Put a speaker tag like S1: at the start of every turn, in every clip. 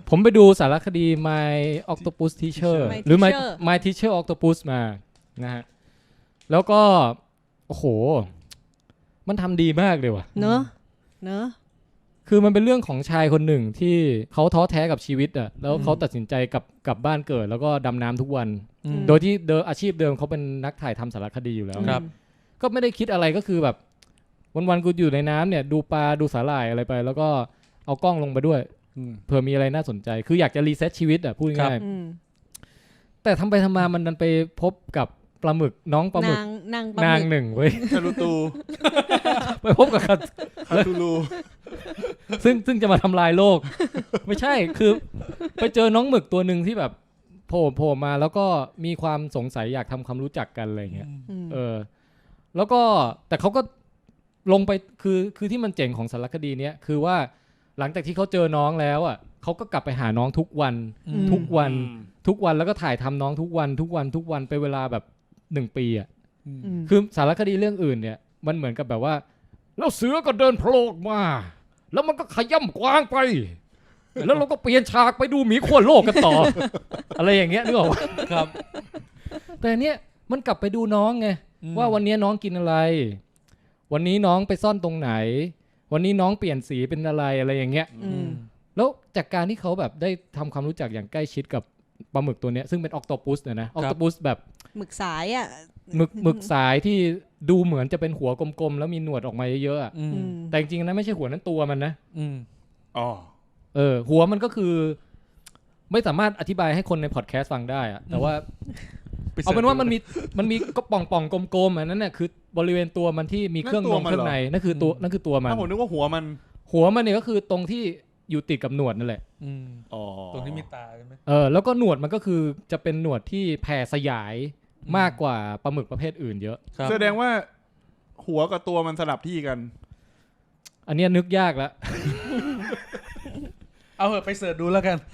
S1: ผมไปดูสารคดี My Octopus Teacher หรือ My Teacher Octopus มานะฮะแล้วก็โอ้โหมันทำดีมากเลยว่ะ
S2: เนอะ
S1: คือมันเป็นเรื่องของชายคนหนึ่งที่เขาท้อแท้กับชีวิตอ่ะแล้วเขาตัดสินใจกลับบ้านเกิดแล้วก็ดำน้ำทุกวันโดยที่อาชีพเดิมเขาเป็นนักถ่ายทำสารคดีอยู่แล้วก็ไม่ได้คิดอะไรก็คือแบบวันๆกูอยู่ในน้ำเนี่ยดูปลาดูสาหร่ายอะไรไปแล้วก็เอากล้องลงไปด้วยเผื่อมีอะไรน่าสนใจคืออยากจะรีเซ็ตชีวิตอ่ะพูดง่ายๆแต่ทำไปทำมามันดันไปพบกับปลาหมึกน้องปลาหมึกนางหนึ่งเว้ย
S3: คารูตู
S1: ไปพบกับคาตูลูซึ่งจะมาทำลายโลกไม่ใช่คือไปเจอน้องหมึกตัวหนึ่งที่แบบโผล่มาแล้วก็มีความสงสัยอยากทำความรู้จักกันอะไรเงี้ยแล้วก็แต่เขาก็ลงไปคือที่มันเจ๋งของสารคดีเนี้ยคือว่าหลังจากที่เขาเจอน้องแล้วอ่ะเขาก็กลับไปหาน้องทุกวันแล้วก็ถ่ายทำน้องทุกวันไปเวลาแบบ1 ปีอ่ะคือสารคดีเรื่องอื่นเนี่ยมันเหมือนกับแบบว่าแล้วเสือก็เดินโผล่มาแล้วมันก็ขย่ำกวางไปแล้วเราก็เปลี่ยนฉากไปดูหมีขั้วโลกกันต่อ อะไรอย่างเงี้ยนึกออกป่ะครับแต่เนี้ยมันกลับไปดูน้องไงว่าวันนี้น้องกินอะไรวันนี้น้องไปซ่อนตรงไหนวันนี้น้องเปลี่ยนสีเป็นอะไรอย่างเงี้ยแล้วจากการที่เขาแบบได้ทำความรู้จักอย่างใกล้ชิดกับปลาหมึกตัวเนี้ยซึ่งเป็นออกโตปัสนะออกโตปัสแบบ
S2: หมึกสายอ่ะ
S1: หมึกสายที่ดูเหมือนจะเป็นหัวกลมๆแล้วมีหนวดออกมาเยอะๆแต่จริงๆนะไม่ใช่หัวนั้นตัวมันนะหัวมันก็คือไม่สามารถอธิบายให้คนในพอดแคสต์ฟังได้อะแต่ว่าเอาเป็นว่ามันมีก็ป่องๆกลมๆอันนั้นน่ะคือบริเวณตัวมันที่มีเครื่องเครื่องในนั่นคือตัวมัน
S3: ผมนึกว่าหัวมัน
S1: เนี่ยก็คือตรงที่อยู่ติดกับหนวดนั่นแหละ
S4: ตรงที่มีตาใช่ไหม
S1: แล้วก็หนวดมันก็คือจะเป็นหนวดที่แผ่สยายมากกว่าปลาหมึกประเภทอื่นเยอะ
S3: แสดงว่าหัวกับตัวมันสลับที่กัน
S1: อันนี้นึกยากแล้ว
S4: เอาเหอะไปเสิร์ชดูแล้วกัน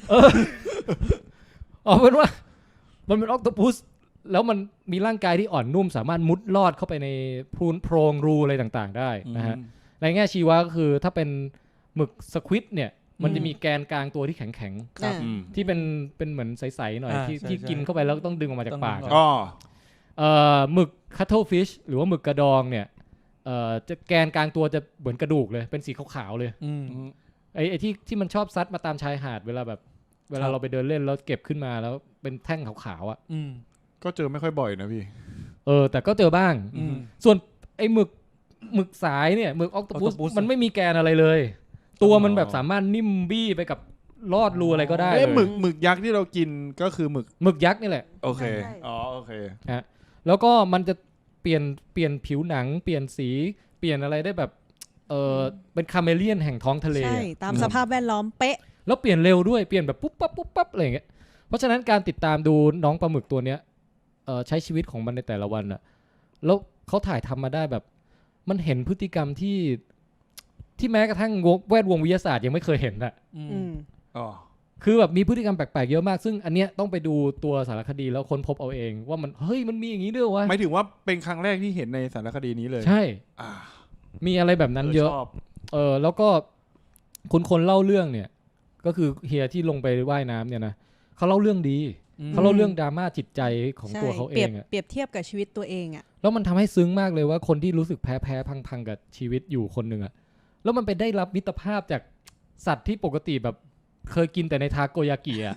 S1: เป็นว่ามันเป็นออคโตปัสแล้วมันมีร่างกายที่อ่อนนุ่มสามารถมุดลอดเข้าไปในโพรงรูอะไรต่างๆได้นะฮะในแง่ชีวะก็คือถ้าเป็นหมึกสควิดเนี่ยมันจะมีแกนกลางตัวที่แข็งๆที่เป็นเหมือนใสๆหน่อยที่กินเข้าไปแล้วต้องดึงออกมาจากปากหมึกคัตเทิลฟิชหรือว่าหมึกกระดองเนี่ยจะแกนกลางตัวจะเหมือนกระดูกเลยเป็นสีขาวๆเลยไอ้ที่มันชอบซัดมาตามชายหาดเวลาเราไปเดินเล่นแล้วเก็บขึ้นมาแล้วเป็นแท่งขาวๆอ่ะ
S3: ก็เจอไม่ค่อยบ่อยนะพี่
S1: แต่ก็เจอบ้างส่วนไอ้หมึกสายเนี่ยหมึกออกโตปัสมันไม่มีแกนอะไรเลยตัวมันแบบสามารถนิ่มบี้ไปกับลอดรูอะไรก็ได้เลย
S3: หมึกยักษ์ที่เรากินก็คือหมึก
S1: ยักษ์นี่แหละ
S3: โอเคโอเค
S1: ฮะแล้วก็มันจะเปลี่ยนผิวหนังเปลี่ยนสีเปลี่ยนอะไรได้แบบเป็นคาเมเลียนแห่งท้องทะเล
S2: ใช่ตามสภาพแวดล้อมเป๊ะ
S1: แล้วเปลี่ยนเร็วด้วยเปลี่ยนแบบปุ๊บปั๊บอะไรอย่างเงี้ยเพราะฉะนั้นการติดตามดูน้องปลาหมึกตัวเนี้ยใช้ชีวิตของมันในแต่ละวันอะแล้วเขาถ่ายทำมาได้แบบมันเห็นพฤติกรรมที่แม้กระทั่งแวดวงวิทยาศาสตร์ยังไม่เคยเห็นอะคือแบบมีพฤติกรรมแปลกๆเยอะมากซึ่งอันเนี้ยต้องไปดูตัวสารคดีแล้วค้นพบเอาเองว่ามันเฮ้ยมันมีอย่างนี้ด้วยวะ
S3: หมายถึงว่าเป็นครั้งแรกที่เห็นในสารคดีนี้เลย
S1: ใช่มีอะไรแบบนั้นเยอะแล้วก็คนเล่าเรื่องเนี่ยก็คือเฮียที่ลงไปว่ายน้ำเนี่ยนะเขาเล่าเรื่องดีเขาเล่าเรื่องดราม่าจิตใจของตัวเขาเอง
S2: เปรียบเทียบกับชีวิตตัวเองอ่ะ
S1: แล้วมันทำให้ซึ้งมากเลยว่าคนที่รู้สึกแพ้พังกับชีวิตอยู่คนหนึ่งอ่ะแล้วมันไปได้รับมิตรภาพจากสัตว์ที่ปกติแบบเคยกินแต่ในทาโกยากิอ่ะ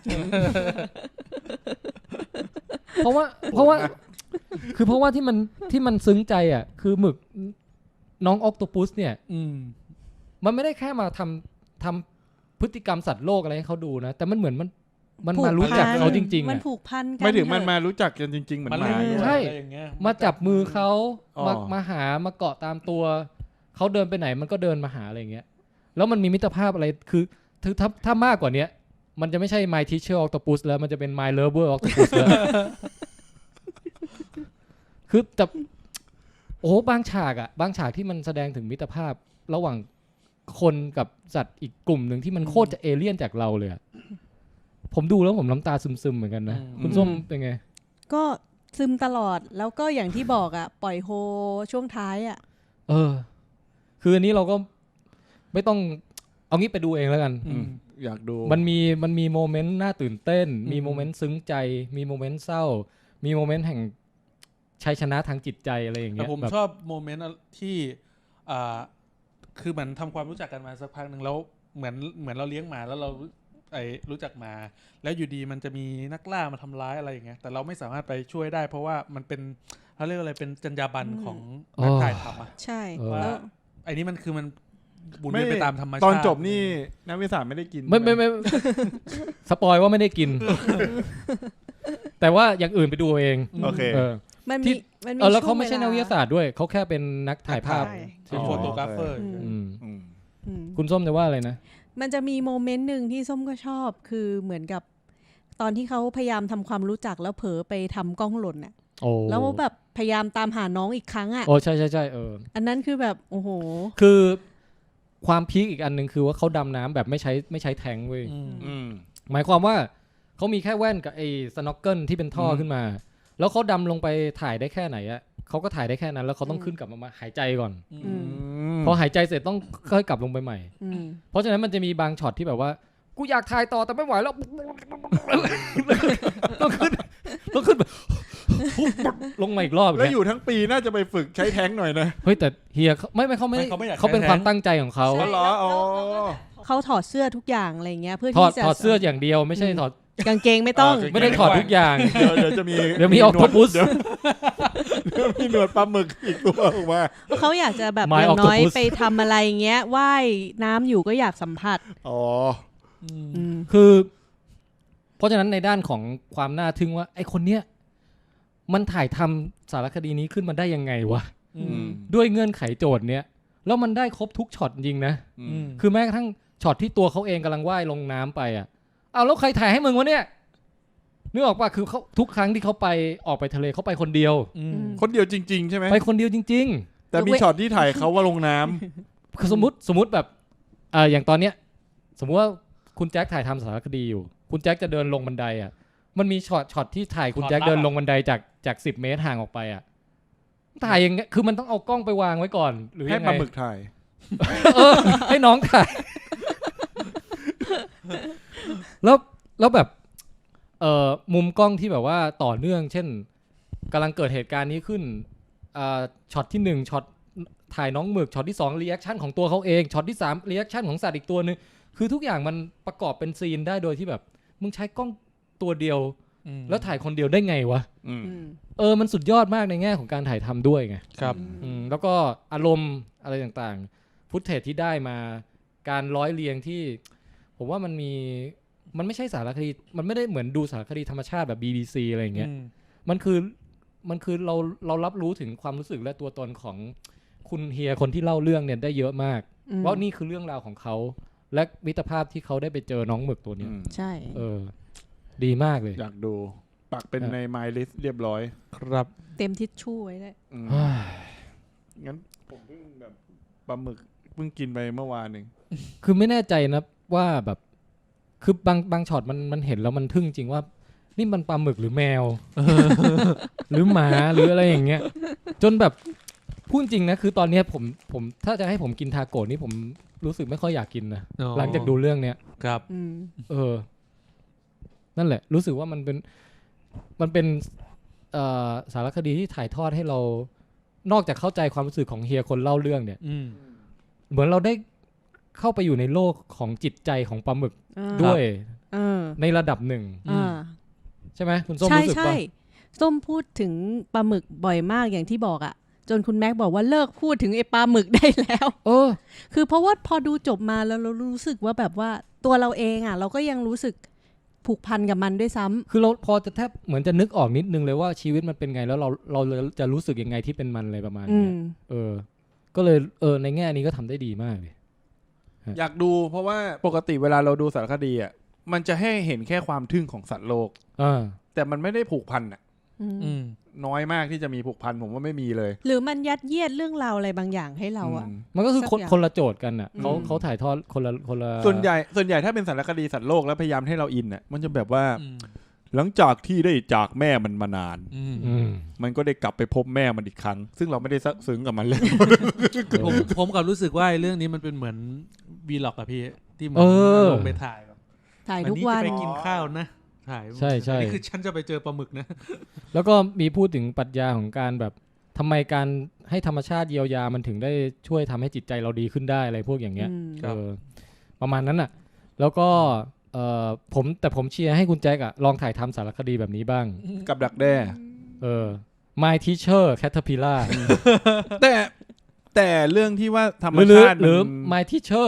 S1: เพราะว่าที่มันซึ้งใจอ่ะคือหมึกน้องออกโตปัสเนี่ยมันไม่ได้แค่มาทำพฤติกรรมสัตว์โลกอะไรให้เขาดูนะแต่มันเหมือนมันมารู้จักเขาจริงๆ
S2: มันผูกพันกัน
S3: ไม่ถึงมันมารู้จักกันจริงๆเหมือนหมา
S1: ใช่มาจับมือเขามาหามาเกาะตามตัวเขาเดินไปไหนมันก็เดินมาหาอะไรอย่างเงี้ยแล้วมันมีมิตรภาพอะไรคือถ้ามากกว่านี้มันจะไม่ใช่ My Teacher Octopus แล้วมันจะเป็น My Lover Octopus แล้วคือแต่บางฉากที่มันแสดงถึงมิตรภาพระหว่างคนกับสัตว์อีกกลุ่มหนึ่งที่มันโคตรจะเอเลี่ยนจากเราเลยผมดูแล้วผมน้ำตาซึมๆเหมือนกันนะคุณส้มเป็นไง
S2: ก็ซึมตลอดแล้วก็อย่างที่บอกปล่อยโฮช่วงท้าย
S1: คืออันนี้เราก็ไม่ต้องเอางี้ไปดูเองแล้วกัน
S3: อยากดู
S1: มันมีโมเมนต์น่าตื่นเต้น มีโมเมนต์ซึ้งใจ มีโมเมนต์เศร้า มีโมเมนต์แห่งชัยชนะทางจิตใจอะไรอย่างเงี้
S4: แต่
S1: ย
S4: ผม
S1: แบบ
S4: ชอบโมเมนต์ที่คือเหมือนทำความรู้จักกันมาสักพักหนึ่งแล้วเหมือนเราเลี้ยงหมาแล้วเรารู้จักหมาแล้วอยู่ดีมันจะมีนักล่ามาทำร้ายอะไรอย่างเงี้ยแต่เราไม่สามารถไปช่วยได้เพราะว่ามันเป็นเขาเรียกอะไรเป็นจรรยาบรรณของนักถ่ายทำอะ
S2: ใช่
S4: ว่า
S2: แล้ว
S4: ไอ้นี่มันคือมันบุญเวียนไปตามธรรมชาติ
S3: ตอนจบนี่นักวิทยาศาสตร์ไม่ได้กิน
S1: ไม่
S3: ใช่ห
S1: สปอยว่าไม่ได้กิน แต่ว่าอย่างอื่นไปดูเอาเอง
S3: โอเค
S1: เออ
S2: มัน
S1: ที่
S2: มันมี
S1: แล้วเขา
S2: ช่วง
S1: ไม่ใช่นักวิทยาศาสตร์ด้วยเขาแค่เป็นนักถ่ายภาพ
S2: ใช่
S4: เป็นโฟโตกราฟเฟอร์
S1: อืม
S3: อืม
S2: อืม
S1: คุณส้มจะว่าอะไรนะ
S2: มันจะมีโมเมนต์หนึ่งที่ส้มก็ชอบคือเหมือนกับตอนที่เขาพยายามทำความรู้จักแล้วเผลอไปทำกล้องหล่นน่ะ
S1: โอ้
S2: แล้วแบบพยายามตามหาน้องอีกครั้งอ่ะ
S1: โอ้ใช่ใช่ใช่
S2: อันนั้นคือแบบโอ้โห
S1: คือความพีคอีกอันหนึ่งคือว่าเขาดำน้ำแบบไม่ใช้แทงค์เว้ย
S3: อืม
S1: หมายความว่าเขามีแค่แว่นกับไอ้สโนว์เกิลที่เป็นท่อขึ้นมา แล้วเขาดำลงไปถ่ายได้แค่ไหนอะเขาก็ถ่ายได้แค่นั้น แล้วเขาต้องขึ้นกลับมาหายใจก่อน
S2: อืม
S1: พอหายใจเสร็จต้องค่อยกลับลงไปใหม่
S2: อืม
S1: เพราะฉะนั้นมันจะมีบางช็อตที่แบบว่ากูอยากถ่ายต่อแต่ไม่ไหวแล้ว ต้องขึ้นแบบลงมาอีกรอบ
S3: แล้วอยู่ทั้งปีน่าจะไปฝึกใช้แท้งหน่อยนะ
S1: เฮ้ยแต่เฮียเขาเขาไม่
S4: เขาไม่อยาก
S1: เขาเป็น
S4: ใช้
S1: ความ
S4: แท้ง
S1: ตั้งใจของเขา
S2: ใช่
S3: เหรออ๋อ
S2: เขาถอดเสื้อทุกอย่างอะไรเงี้ยเพื่อ
S1: ถอ
S2: ที่
S1: ด
S2: จะ
S1: ถอดเสื้ออย่างเดียวไม่ใช่ถอด
S2: กางเกงไม่ต้อง
S1: ไม่ได้ถอดทุกอย่าง
S3: เดี๋ยวจะมี
S1: เดี๋ยวมีออคโตปัส
S3: เดี๋ยวมีหนวดปลาหมึกอีกตัวออกมา
S2: เขาอยากจะแบบ
S1: My
S2: อย่างน้อย
S1: Octopus
S2: ไปทำอะไรเงี้ยว่ายน้ำอยู่ก็อยากสัมผัส
S3: อ๋อ
S2: อืม
S1: คือ เพราะฉะนั้นในด้านของความน่าทึ่งว่าไอ้คนเนี้ยมันถ่ายทำสารคดีนี้ขึ้นมาได้ยังไงวะ ด้วยเงื่อนไขโจทย์เนี้ยแล้วมันได้ครบทุกช็อตจริงนะ คือแม้กระทั่งช็อตที่ตัวเขาเองกำลังว่ายลงน้ำไปอ่ะเอาแล้วใครถ่ายให้มึงวะเนี่ยนึกออกป่ะคือเขาทุกครั้งที่เขาไปออกไปทะเลเขาไปคนเดียว
S3: คนเดียวจริง ๆ ใช่ไหม
S1: ไปคนเดียวจริง
S3: แต่มีช็อตที่ถ่ายเขาว่าลงน้ำ
S1: ๆคือสมมติแบบอย่างตอนเนี้ยสมมุติว่าคุณแจ็คถ่ายทำสารคดีอยู่คุณแจ็คจะเดินลงบันไดอ่ะมันมีช็อตที่ถ่ายคุณแจ็คเดินลงบันไดจาก10 เมตรห่างออกไปอ่ะถ่ายยังไงคือมันต้องเอากล้องไปวางไว้ก่อนหรือ
S3: ให้
S1: ยัง
S3: ป
S1: ไง
S3: ลาหมึกถ่าย
S1: ให้น้องถ่าย แล้วแบบมุมกล้องที่แบบว่าต่อเนื่อง เช่นกำลังเกิดเหตุการณ์นี้ขึ้นช็อตที่1ช็อตถ่ายน้องหมึกช็อตที่2รีแอคชั่นของตัวเขาเองช็อตที่3รีแอคชั่นของสัตว์อีกตัวนึงคือทุกอย่างมันประกอบเป็นซีนได้โดยที่แบบมึงใช้กล้องตัวเดียวแล้วถ่ายคนเดียวได้ไงวะ
S3: อืม
S1: มันสุดยอดมากในแง่ของการถ่ายทำด้วยไง
S4: ครับ
S1: แล้วก็อารมณ์อะไรต่างๆฟุตเทจที่ได้มาการร้อยเรียงที่ผมว่ามันไม่ใช่สารคดีมันไม่ได้เหมือนดูสารคดีธรรมชาติแบบ BBC อะไรอย่างเงี้ยมันคือเรารับรู้ถึงความรู้สึกและตัวตนของคุณเฮียคนที่เล่าเรื่องเนี่ยได้เยอะมากว่านี่คือเรื่องราวของเขาและมิตรภาพที่เขาได้ไปเจอน้องหมึกตัวเนี้ย
S2: ใช่
S1: ดีมากเลย
S3: อยากดูปักเป็นใน My List เรียบร้อย
S4: ครับ
S2: เต็มทิชชู่ไว้เลย
S3: งั้นผมเพิ่งแบบปลาหมึกเพิ่งกินไปเมื่อวานหนึ่ง
S1: คือไม่แน่ใจนะว่าแบบคือบางช็อตมันเห็นแล้วมันทึ่งจริงว่านี่มันปลาหมึกหรือแมว หรือหมาหรืออะไรอย่างเงี้ยจนแบบพูดจริงนะคือตอนเนี้ยผมถ้าจะให้ผมกินทาโกะนี่ผมรู้สึกไม่ค่อยอยากกินนะหลังจากดูเรื่องเนี้ย
S4: ครับ
S1: นั่นแหละรู้สึกว่ามันเป็นสารคดีที่ถ่ายทอดให้เรานอกจากเข้าใจความรู้สึกของเฮียคนเล่าเรื่องเนี่ยเหมือนเราได้เข้าไปอยู่ในโลกของจิตใจของปลาหมึกด้วยในระดับหนึ่งใช่ไหมคุณส้มรู้สึกป่ะ
S2: ใช่ส้มพูดถึงปลาหมึกบ่อยมากอย่างที่บอกอ่ะจนคุณแม็กบอกว่าเลิกพูดถึงไอ้ปลาหมึกได้แล้วคือเพราะว่าพอดูจบมาแล้วเรารู้สึกว่าแบบว่าตัวเราเองอ่ะเราก็ยังรู้สึกผูกพันกับมันด้วยซ้ำ
S1: คือเราพอจะแทบเหมือนจะนึกออกนิดนึงเลยว่าชีวิตมันเป็นไงแล้วเราจะรู้สึกยังไงที่เป็นมันอะไรประมาณนี้ก็เลยในแง่นี้ก็ทำได้ดีมากเลย
S3: อยากดูเพราะว่าปกติเวลาเราดูสารคดีอ่ะมันจะให้เห็นแค่ความทึ่งของสัตว์โลกแต่มันไม่ได้ผูกพันอ่ะน้อยมากที่จะมีผูกพันผมว่าไม่มีเลย
S2: หรือมันยัดเยียดเรื่องราวอะไรบางอย่างให้เราอ่ะ
S1: มันก็คือคนละโจทย์กันอ่ะเขาถ่ายทอดคนละ
S3: ส่วนใหญ่ถ้าเป็นสารคดีสัตว์โลกแล้วพยายามให้เราอินอ่ะมันจะแบบว่าหลังจากที่ได้จากแม่มันมานานมันก็ได้กลับไปพบแม่มันอีกครั้งซึ่งเราไม่ได้ซึ้งกับมันเลย
S4: ผมกับรู้สึกว่าเรื่องนี้มันเป็นเหมือนวีล็อกอะพี่ที่เหมือนลงไปถ่ายแบบ
S2: ถ่าย
S4: อัน
S2: ทุก
S4: นี้
S2: วั
S4: จะ
S2: น
S4: ไปกินข้าวนะถ่าย
S1: ใช่ใช่
S4: อันนี้คือฉันจะไปเจอปลาหมึกนะ
S1: แล้วก็มีพูดถึงปรัชญาของการแบบทำไมการให้ธรรมชาติเยียวยามันถึงได้ช่วยทำให้จิตใจเราดีขึ้นได้อะไรพวกอย่างเงี้ย
S4: ครับ
S1: ประมาณนั้นน่ะ แล้วก็ผมเชียร์ให้คุณแจ็คอะลองถ่ายทำสารคดีแบบนี้บ้าง
S3: กับดักแด้
S1: My Teacher Caterpillar
S3: แต่เรื่องที่ว่าธรรม
S1: หรือ
S3: ชาติ
S1: หรือ
S3: มัน
S1: My Teacher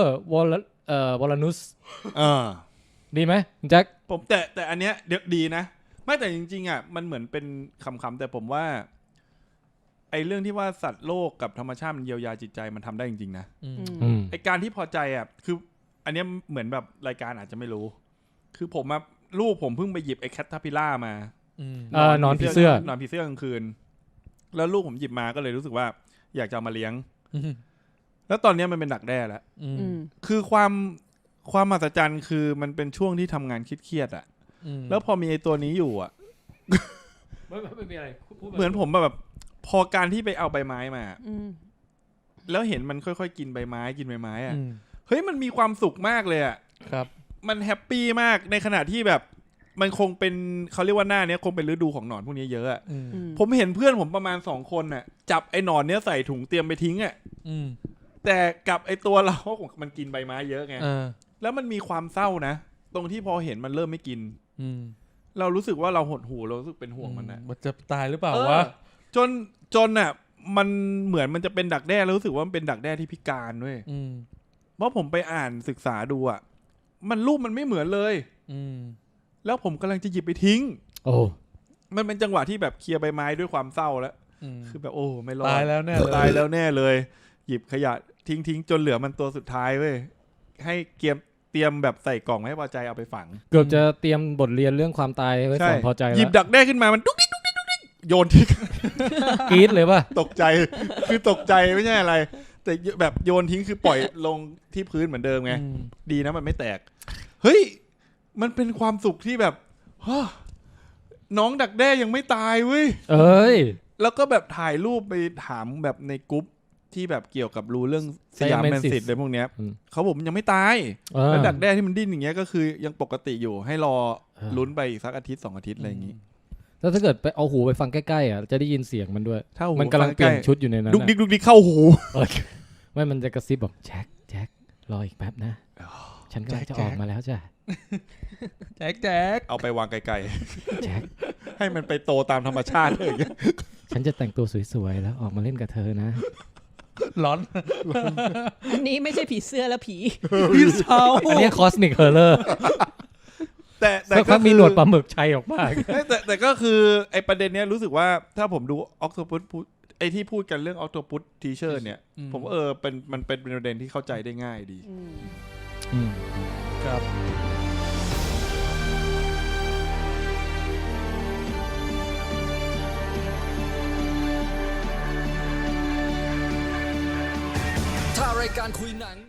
S1: Walrus
S3: เออ
S1: ดีไหมคุณแจ็ค
S3: ผมแต่อันเนี้ยเดี๋ยวดีนะ ไม่แต่จริงๆอ่ะมันเหมือนเป็นคำๆแต่ผมว่าไอ้เรื่องที่ว่าสัตว์โลกกับธรรมชาติมันเยียวยาจิตใจมันทำได้จริงๆนะไอ้การที่พอใจอ่ะคืออันเนี้ยเหมือนแบบรายการอาจจะไม่รู้ คือผมมาลูกผมเพิ่งไปหยิบไอ้แคททาพิล่ามา
S1: นอนผีเสื้อน
S3: อนผีเสื้อกลางคืน แล้วลูกผมหยิบมาก็เลยรู้สึกว่าอยากจะเอามาเลี้ยง แล้วตอนนี้มันเป็นดักแด้แล้ว คือความมหัศจรรย์คือมันเป็นช่วงที่ทำงานเครียดๆอ่ะ แล้วพอมีไอ้ตัวนี้อยู่อ่ะ
S1: ไม่มีอะไร
S3: เหมือนผมแบบพอการที่ไปเอาใบไม้มา แล้วเห็นมันค่อยๆกินใบไม้อ่ะ เฮ้ยมันมีความสุขมากเลยอ่ะ
S4: ครับ
S3: มันแฮปปี้มากในขณะที่แบบมันคงเป็นเขาเรียกว่าหน้าเนี้ยคงเป็นฤดูของหนอนพวกนี้เยอะอ่ะ ผมเห็นเพื่อนผมประมาณ2 คนน่ะจับไอ้หนอนเนี้ยใส่ถุงเตรียมไปทิ้งอ่ะ แต่กับไอ้ตัวเรา มันกินใบไม้เยอะไง แล้วมันมีความเศร้านะตรงที่พอเห็นมันเริ่มไม่กิน เรารู้สึกว่าเราหดหู่เรารู้สึกเป็นห่วงมันนะ
S4: มันจะตายหรือเปล่าวะ
S3: จนอ่ะมันเหมือนมันจะเป็นดักแด้แล้วรู้สึกว่ามันเป็นดักแด้ที่พิการด้วยเพราะผมไปอ่านศึกษาดูอ่ะมันรูปมันไม่เหมือนเลยแล้วผมกำลังจะหยิบไปทิ้ง
S1: โอ้
S3: มันเป็นจังหวะที่แบบเคลียร์ใบไม้ด้วยความเศร้าแล้วคือแบบโอ้ไม่รอด
S4: ตายแล้วแน่เลย
S3: ตายแล้วแน่เลย หยิบขยะทิ้งจนเหลือมันตัวสุดท้ายเว้ยให้เตรียมแบบใส่กล่องให้พอใจเอาไปฝัง
S1: เกือบจะเตรียมบทเรียนเรื่องความตายไว้ก่อนพอใจ
S3: ห
S1: แล้ว
S3: ยิบดักแด้ขึ้นมามันดุ๊กดิ๊กโยนทิ้ง
S1: กรี๊ดเลยป่ะ
S3: ตกใจคือตกใจไม่ใช่อะไร แต่แบบโยนทิ้งคือปล่อยลงที่พื้นเหมือนเดิมไงดีนะมันไม่แตกเฮ้ยมันเป็นความสุขที่แบบน้องดักแด้ยังไม่ตายเว้ย
S1: เอ้ย
S3: แล้วก็แบบถ่ายรูปไปถามแบบในกรุ๊ปที่แบบเกี่ยวกับรู้เรื่องสยามแมนซิตอะไรพวกเนี้ยเขาบอกมันยังไม่ตายแล้วดักแด้ที่มันดิ้นอย่างเงี้ยก็คือยังปกติอยู่ให้รอลุ้นไปอีกสักอาทิตย์2 อาทิตย์อะไรอย่างงี้
S1: แล้วถ้าเกิดไปเอาหูไปฟังใกล้ๆอ่ะจะได้ยินเสียงมันด้วย
S3: ถ้าหู
S1: มันกำลังเปลี่ยนชุดอยู่ในนั้น
S3: ดุกดิกเข้าหู
S1: ไม่มันจะกระซิบบอกแจ็ครออีกแป๊บนะฉันก็จะออกมาแล้วจ้ะ
S4: แจ็ค
S3: เอาไปวางไกล
S1: แจ็ค
S3: ๆให้มันไปโตตามธรรมชาติเลย
S1: ฉันจะแต่งตัวสวยๆแล้วออกมาเล่นกับเธอนะ
S4: ร้อน
S2: อันนี้ไม่ใช่ผีเสื้อแล้วผี
S4: พี่เช้า
S1: อันนี้คอสมิกเฮอร์เลอร์
S3: แต่
S1: สักพักมีหนวดปลาหมึกชัยออกมา
S3: แต่ก็คือไอประเด็นเนี้ยรู้สึกว่าถ้าผมดูออกโตปุสไอที่พูดกันเรื่องออกโตปุสทีเชอร์เนี่ยผมมันเป็นประเด็นที่เข้าใจได้ง่ายดี
S4: ครับ
S5: ถ้ารายการคุยหนัง